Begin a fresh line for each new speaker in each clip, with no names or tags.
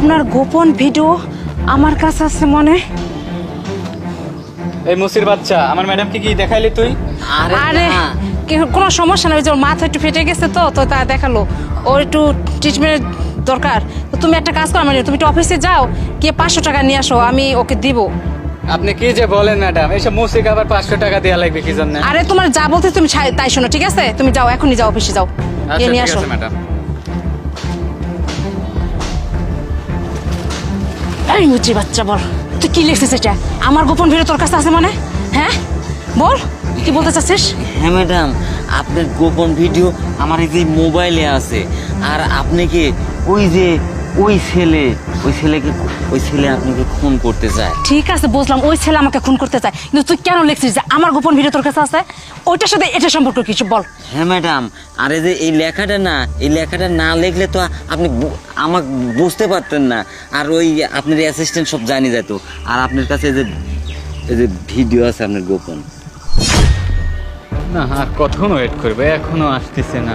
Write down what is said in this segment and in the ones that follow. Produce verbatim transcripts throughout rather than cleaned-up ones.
আপনার গোপন ভিডিও আমার কাছে আছে মনে।
এই মুসির বাচ্চা, আমার ম্যাডামকে কি দেখাইলি তুই?
আরে কি- কোনো সমস্যা না, ওই যে ওর মাথা একটু ফেটে গেছে তো তো তা দেখালো, ওর একটু ট্রিটমেন্ট দরকার। তো তুমি একটা কাজ করো, মানে তুমি একটু অফিসে যাও, গিয়ে পাঁচশো টাকা নিয়ে আসো, আমি ওকে দিব।
আপনি কি যে বলেন ম্যাডাম, এইসব মুসিকে আবার পাঁচশো টাকা দেওয়া লাগবে কি জন্য?
আরে তোমার যা বলতে তুমি ছাই- তাই শোনো, ঠিক আছে? তুমি যাও, এখনই যাও, অফিসে যাও,
আচ্ছা
গিয়ে নিয়ে
ঠিক
আসো।
আছে ম্যাডাম।
এই মুচি বাচ্চা, বল তুই কি লিখছিস এটা? আমার গোপন ভিডিও তোর কাছে আছে মানে? হ্যাঁ বল, কি বলতে চাচ্ছিস?
হ্যাঁ ম্যাডাম, আপনার গোপন ভিডিও আমার এই যে মোবাইলে আছে। আর আপনি কি ওই যে ওই ছেলে ওই ছেলেকে ওই ছেলে আপনাকে খুন করতে চায়।
ঠিক আছে বুঝলাম, ওই ছেলে আমাকে খুন করতে চায়, কিন্তু তুই কেন লিখছিস যে আমার গোপন ভিডিও তোর কাছে আছে? ওইটার সাথে এটা সম্পর্ক কিছু বল।
হ্যাঁ ম্যাডাম, আর এই যে এই লেখাটা না, এই লেখাটা না লিখলে তো আপনি বু- আমাকে বুঝতে পারতেন না। আর ওই আপনার অ্যাসিস্ট্যান্ট সব জানি যেত। আর আপনার কাছে এই যে এই যে ভিডিও আছে আপনার গোপন।
না আর কতক্ষণ ওয়েট করবে, এখনো আসতেছে না।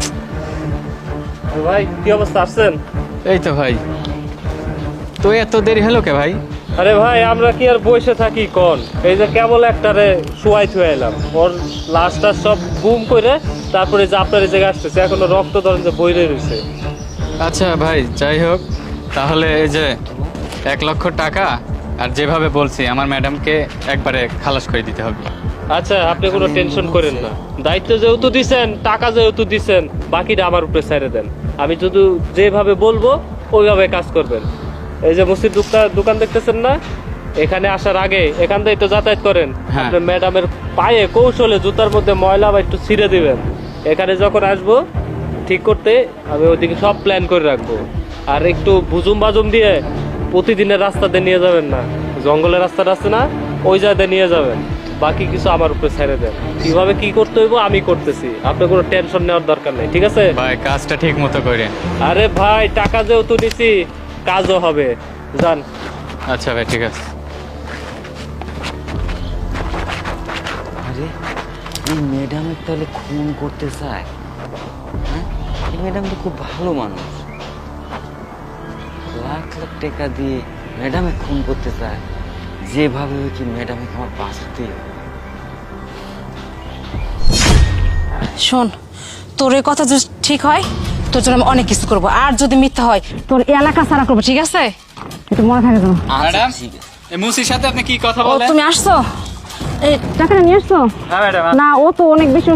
ভাই কি অবস্থা, আসছেন?
এই তো ভাই, তো এত দেরি হলো কে ভাই?
আরে ভাই আমরা কি আর বসে থাকি কোন, এই যে কেবল একটারে শুয়াই থুয়ে এলাম, ওর লাশটা সব গুম করে তারপরে যে আপনার এই জায়গায় আসতেছে, এখনো রক্ত ধরেন যে বইরে রয়েছে।
আচ্ছা ভাই, যাই হোক, তাহলে এই যে এক লক্ষ টাকা আর যেভাবে বলছি আমার ম্যাডামকে একবারে খালাস করে দিতে হবে।
আচ্ছা আপনি কোনো টেনশন করেন না, দায়িত্ব যেহেতু দিছেন, টাকা যেহেতু দিছেন, বাকিটা আমার উপরে ছেড়ে দেন। আমি শুধু যেভাবে বলবো ওইভাবে কাজ করবেন। এই যে মুসির দোকান দোকান দেখতেছেন না, এখানে আসার আগে এখান থেকে তো যাতায়াত করেন,
হ্যাঁ।
আপনার ম্যাডামের পায়ে কৌশলে জুতার মধ্যে ময়লা বা একটু ছিঁড়ে দিবেন। এখানে যখন আসবো ঠিক করতে আমি ওইদিকে সব প্ল্যান করে রাখবো। আর একটু বুজুম বাজুম দিয়ে প্রতিদিনের রাস্তাতে নিয়ে যাবেন না, জঙ্গলের রাস্তাটা আছে না, ওই জায়গাতে নিয়ে যাবেন। বাকি কিছু আমার উপরে ছেড়ে দেন, কিভাবে কি করতে হইব আমি করতেছি, আপনার কোনো টেনশন নেওয়ার দরকার নেই, ঠিক আছে?
ভাই কাজটা ঠিক মতো করেন।
আরে ভাই টাকা যেহেতু নিছি কাজও হবে, যান।
আচ্ছা ভাই ঠিক আছে।
আরে এই ম্যাডামের তাহলে খুন করতে চায়? হ্যাঁ, এই ম্যাডাম তো খুব ভালো মানুষ। লাখ লাখ টাকা দিয়ে ম্যাডামে খুন করতে চায়। যেভাবে হোক কি ম্যাডামে আমার বাঁচাতেই হবে।
শোন, তোর এই কথা যদি ঠিক হয়, তোর জন্য আমি অনেক কিছু করবো, আর যদি মিথ্যা হয় তোর এই এলাকা ছাড়া করবো, ঠিক আছে? একটু মনে থাকে যেন।
ম্যাডাম,
ঠিক আছে।
এই মুসির সাথে আপনি কি কথা
ও
বলেন?
তুমি আসছো, এই টাকাটা নিয়ে আসছো?
হ্যাঁ ম্যাডাম।
না ও তো অনেক বেশি